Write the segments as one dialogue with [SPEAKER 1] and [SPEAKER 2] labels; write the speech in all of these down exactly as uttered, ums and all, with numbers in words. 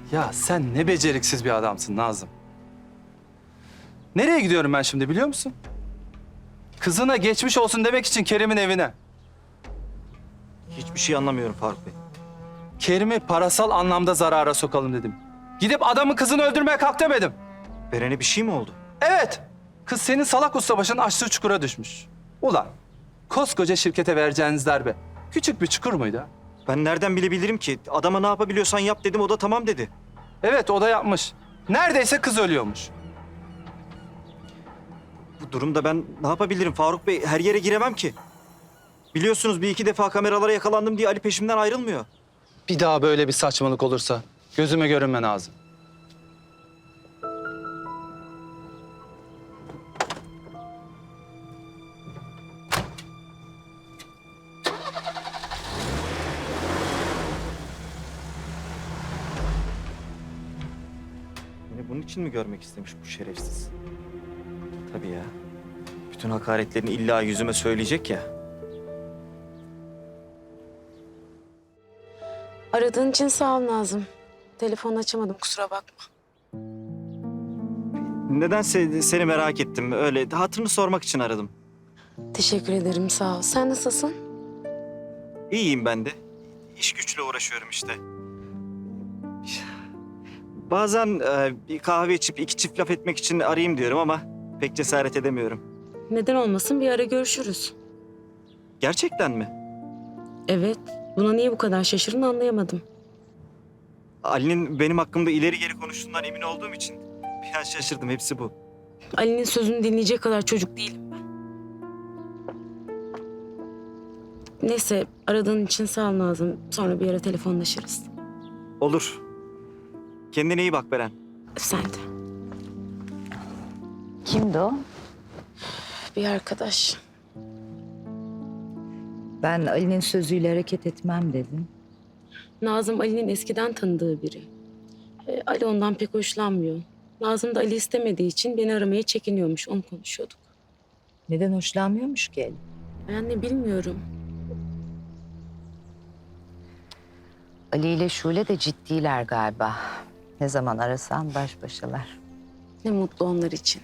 [SPEAKER 1] Ya sen ne beceriksiz bir adamsın Nazım. Nereye gidiyorum ben şimdi biliyor musun? Kızına geçmiş olsun demek için Kerim'in evine.
[SPEAKER 2] Hiçbir şey anlamıyorum Faruk Bey.
[SPEAKER 1] Kerim'i parasal anlamda zarara sokalım dedim. Gidip adamın kızını öldürmeye kalk demedim.
[SPEAKER 2] Beren'e bir şey mi oldu?
[SPEAKER 1] Evet. Kız senin salak ustabaşının açtığı çukura düşmüş. Ulan koskoca şirkete vereceğiniz darbe küçük bir çukur muydu ha?
[SPEAKER 2] Ben nereden bilebilirim ki? Adama ne yapabiliyorsan yap dedim, o da tamam dedi.
[SPEAKER 1] Evet o da yapmış. Neredeyse kız ölüyormuş.
[SPEAKER 2] Bu durumda ben ne yapabilirim Faruk Bey? Her yere giremem ki. Biliyorsunuz bir iki defa kameralara yakalandım diye Ali peşimden ayrılmıyor.
[SPEAKER 1] Bir daha böyle bir saçmalık olursa gözüme görünme Nazım.
[SPEAKER 2] Beni bunun için mi görmek istemiş bu şerefsiz? Tabii ya. Bütün hakaretlerini illa yüzüme söyleyecek ya.
[SPEAKER 3] Aradığın için sağ ol Nazım. Telefonu açamadım, kusura bakma.
[SPEAKER 2] Nedense seni merak ettim. Öyle hatırını sormak için aradım.
[SPEAKER 3] Teşekkür ederim, sağ ol. Sen nasılsın?
[SPEAKER 2] İyiyim ben de. İş güçle uğraşıyorum işte. Bazen e, bir kahve içip iki çift laf etmek için arayayım diyorum ama pek cesaret edemiyorum.
[SPEAKER 3] Neden olmasın, bir ara görüşürüz.
[SPEAKER 2] Gerçekten mi?
[SPEAKER 3] Evet, buna niye bu kadar şaşırdın anlayamadım.
[SPEAKER 2] Ali'nin benim hakkımda ileri geri konuştuğundan emin olduğum için bir an şaşırdım. Hepsi bu.
[SPEAKER 3] Ali'nin sözünü dinleyecek kadar çocuk değilim ben. Neyse, aradığın için sağ ol Nazım. Sonra bir ara telefonlaşırız.
[SPEAKER 2] Olur. Kendine iyi bak Beren.
[SPEAKER 3] Sen de.
[SPEAKER 4] Kimdi o?
[SPEAKER 3] Bir arkadaş.
[SPEAKER 4] Ben Ali'nin sözüyle hareket etmem dedim.
[SPEAKER 3] Nazım Ali'nin eskiden tanıdığı biri. Ee, Ali ondan pek hoşlanmıyor. Nazım da Ali istemediği için beni aramaya çekiniyormuş. Onu konuşuyorduk.
[SPEAKER 4] Neden hoşlanmıyormuş ki Ali?
[SPEAKER 3] Ben de bilmiyorum.
[SPEAKER 4] Ali ile Şule de ciddiler galiba. Ne zaman arasan baş başalar.
[SPEAKER 3] Ne mutlu onlar için.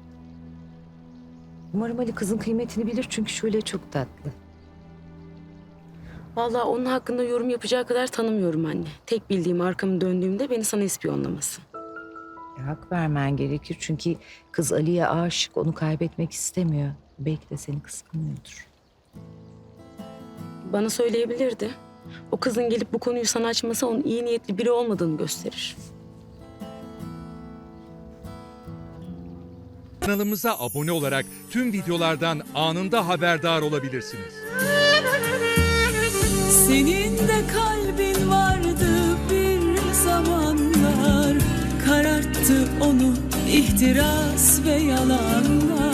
[SPEAKER 4] Umarım Ali kızın kıymetini bilir çünkü Şule çok tatlı.
[SPEAKER 3] Vallahi onun hakkında yorum yapacağı kadar tanımıyorum anne. Tek bildiğim arkamı döndüğümde beni sana ispiyonlaması.
[SPEAKER 4] E, hak vermen gerekir çünkü kız Ali'ye aşık, onu kaybetmek istemiyor. Belki de seni kıskanıyordur.
[SPEAKER 3] Bana söyleyebilirdi. O kızın gelip bu konuyu sana açması onun iyi niyetli biri olmadığını gösterir.
[SPEAKER 5] Kanalımıza abone olarak tüm videolardan anında haberdar olabilirsiniz.
[SPEAKER 6] Senin de kalbin vardı bir zamanlar, kararttı onu ihtiras ve yalanlar.